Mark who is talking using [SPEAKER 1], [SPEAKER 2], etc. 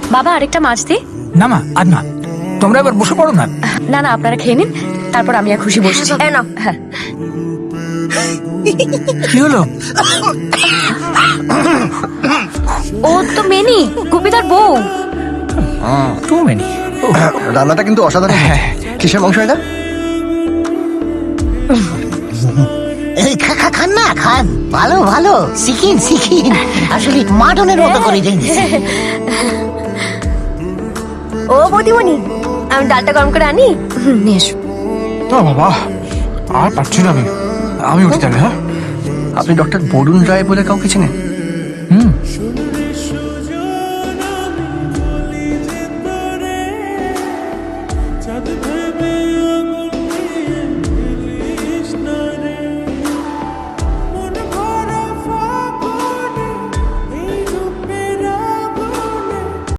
[SPEAKER 1] বাবা আরেকটা মাছ দি।
[SPEAKER 2] না মা আর না, তোমরা এবার বসে পড়ো না।
[SPEAKER 1] না না, আপনারা খেয়ে নিন, তারপর আমি আর খুশি বসছি।
[SPEAKER 3] না
[SPEAKER 1] হ্যাঁ।
[SPEAKER 2] কি হলো?
[SPEAKER 1] ও তো মেনি, গুপিদার বউ।
[SPEAKER 2] Too many.
[SPEAKER 4] রান্নাটা কিন্তু অসাধারণ হয়েছে। কিসের মাংস এটা?
[SPEAKER 5] এই খান না খান, ভালো ভালো, শিখিন আসলে মাটনের মতো করে দিন।
[SPEAKER 3] ও বৌদিমণি, আমি ডালটা গরম করে আনি।
[SPEAKER 1] নিয়ে এসো।
[SPEAKER 2] বাবা আর পারছি না আমি উঠি তাহলে। হ্যাঁ
[SPEAKER 4] আপনি ডক্টর বরুণ রায় বলে কাউকে চেনেন?